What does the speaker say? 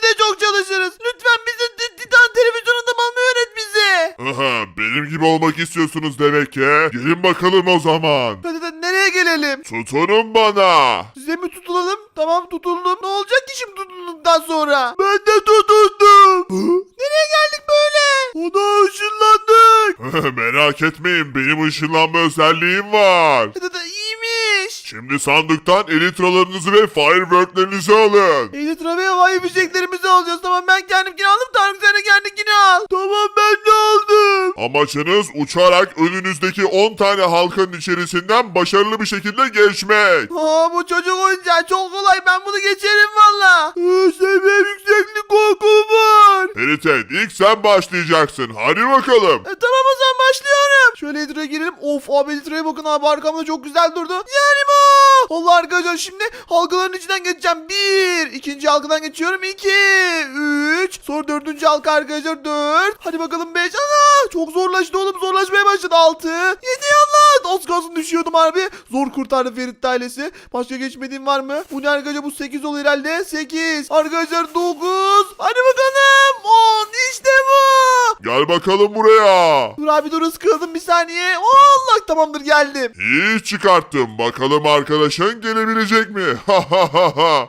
de çok çalışırız. Lütfen bizi Titan televizyonunda mı almayı öğret bize. Aha, benim gibi olmak istiyorsunuz demek ki. Gelin bakalım o zaman. Hadi nereye gelelim? Tutunun bana. Size mi tutulalım? Tamam tutuldum. Ne olacak ki şimdi tutulduktan sonra? Ben de tutuldum. Nereye geldik böyle? Ona ışınlandık. Merak etmeyin, benim ışınlanma özelliğim var. İyiymiş. Şimdi sandıktan elitralarınızı ve fireworklerinizi alın. Elit ve havai fişeklerimizi alacağız. Tamam ben kendimkini aldım. Tarık sen de kendikini al. Tamam ben de aldım. Amaçınız uçarak önünüzdeki 10 tane halkanın içerisinden başarılı bir şekilde geçmek. Bu çocuk oyuncağı çok kolay. Ben bunu geçerim valla. Seviye yükseklik korkum var. Feritet, ilk sen başlayacaksın. Hadi bakalım. Tamam o zaman başlıyorum. Şöyle Elitra'ya girelim. Of abi Elitra'ya bakın abi arkamda çok güzel durdu. Yani bu. Allah arkadaşlar şimdi halkaların içinden geçeceğim. 1. İkinci halkadan geçiyorum. 2. 3. Sonra dördüncü halka arkadaşlar 4. Hadi bakalım 5. Ana çok zorlaştı oğlum zorlaşmaya başladı. 6. 7 Allah. Az kalsın düşüyordum abi. Zor kurtardı Ferit ailesi. Başka geçmediğim var mı? Bu ne arkadaşlar bu 8 olur herhalde. 8. Arkadaşlar 9. Hadi bakalım. 10. İşte bu. Gel bakalım buraya. Dur abi dur ıskaladım bir saniye. Allah tamamdır geldim. İyi çıkarttım. Bakalım arkadaşın gelebilecek mi? Ha ha ha ha.